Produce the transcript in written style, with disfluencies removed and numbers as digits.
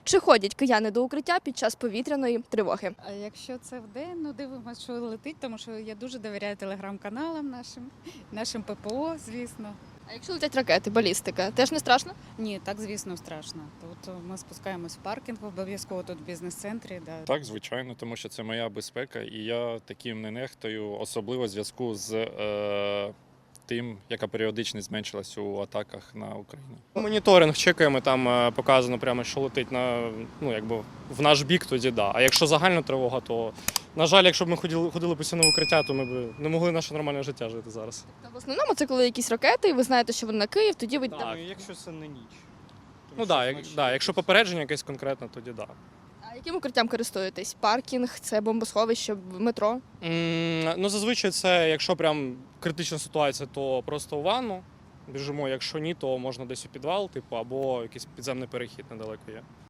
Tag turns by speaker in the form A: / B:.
A: Чи ходять кияни до укриття під час повітряної тривоги?
B: А якщо це вдень, ну дивимося, що летить, тому що я дуже довіряю телеграм-каналам нашим ППО, звісно.
A: А якщо летять ракети, балістика, теж не страшно?
B: Ні, так, звісно, страшно. Тут ми спускаємось в паркінг, обов'язково тут в бізнес-центрі. Да.
C: Так, звичайно, тому що це моя безпека, і я таким не нехтую, особливо в зв'язку з тим, яка періодичність зменшилась у атаках на Україну.
D: Моніторинг чекаємо, там показано прямо, що летить в наш бік, тоді да. А якщо загальна тривога, то, на жаль, якщо б ми ходили постійно в укриття, то ми б не могли наше нормальне життя жити зараз.
A: В основному це коли якісь ракети, і ви знаєте, що вони на Київ, тоді ви йдете.
D: Так.
E: Якщо це не ніч.
D: Ну так, якщо попередження якесь конкретне, тоді да.
A: А яким укриттям користуєтесь? Паркінг, це бомбосховище, метро?
D: Ну, зазвичай це, якщо прям критична ситуація, то просто у ванну біжимо, якщо ні, то можна десь у підвал, або якийсь підземний перехід недалеко є.